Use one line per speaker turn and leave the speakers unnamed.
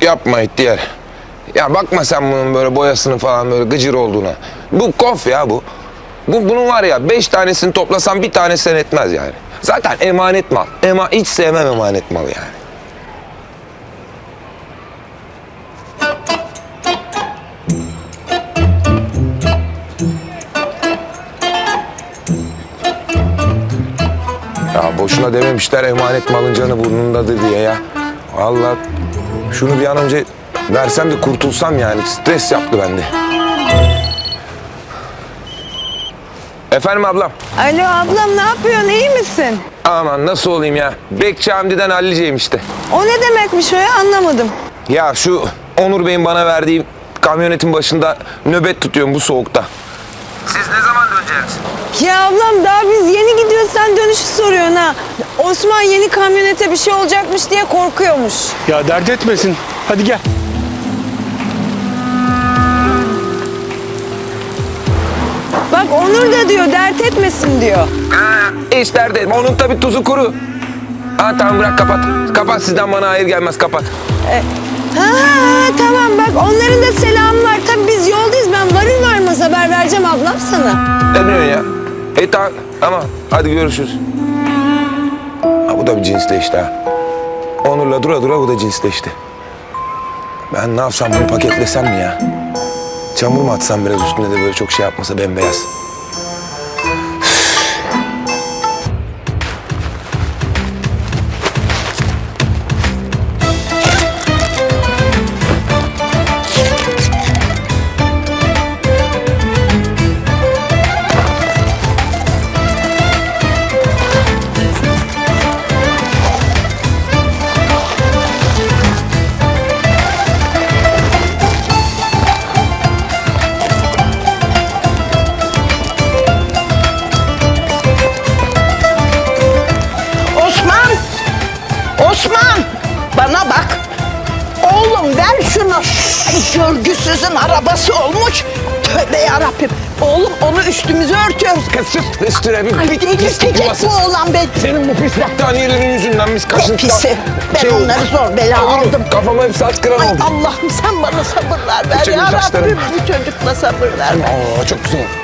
Yapma ihtiyar. Ya bakma sen bunun böyle boyasını falan böyle gıcır olduğuna. Bu kof ya bu. Bunun var ya 5 tanesini toplasam bir tanesi etmez yani. Zaten emanet mal. Hiç sevmem emanet mal yani. Ya boşuna dememişler emanet malın canı burnundadır diye ya. Vallahi şunu bir an önce versem de kurtulsam yani. Stres yaptı bende. Efendim ablam?
Alo ablam, ne yapıyorsun, iyi misin?
Aman nasıl olayım ya? Bekçi Hamdi'den halliceyim işte.
O ne demekmiş o ya, anlamadım.
Ya şu Onur Bey'in bana verdiği kamyonetin başında nöbet tutuyorum bu soğukta. Siz ne zaman döneceksiniz?
Ya ablam, daha biz yeni gidiyoruz, sen dönüşü soruyorsun ha. Osman yeni kamyonete bir şey olacakmış diye korkuyormuş.
Ya dert etmesin. Hadi gel.
Bak Onur da diyor, dert etmesin diyor.
İşler dedim. Onun tabii tuzu kuru. Ha tamam bırak kapat. Kapat sizden bana hayır gelmez kapat.
Ha tamam, bak onların da selamı var. Tabii biz yoldayız, ben varır varmaz haber vereceğim ablam sana.
Ne diyorsun ya? Tamam hadi görüşürüz. Ha bu da bir cinsleşti ha. Onur'la dura dura bu da cinsleşti. Ben ne yapsam bunu paketlesem mi ya? Çamur mu atsam biraz üstüne de böyle çok şey yapmasa bembeyaz.
Osman, bana bak. Oğlum ver şunu. Görgüsüzün arabası olmuş. Tövbe yarabbim. Oğlum onu üstümüze örtüyoruz.
Kısıt üstüne bir
Ay delirtecek bu oğlan be.
Senin bu pis battaniyelerin yüzünden biz kaşıntıdan...
Pisi. Ben
olduk.
onları zor bela
Olur mu?
aldım.
Kafama hep saç kıran
Ay
oldu.
Allah'ım sen bana sabırlar ver
Çekil
ya
saçlarım.
Rabbim. Bu çocukla sabır ver.
Aa çok güzel.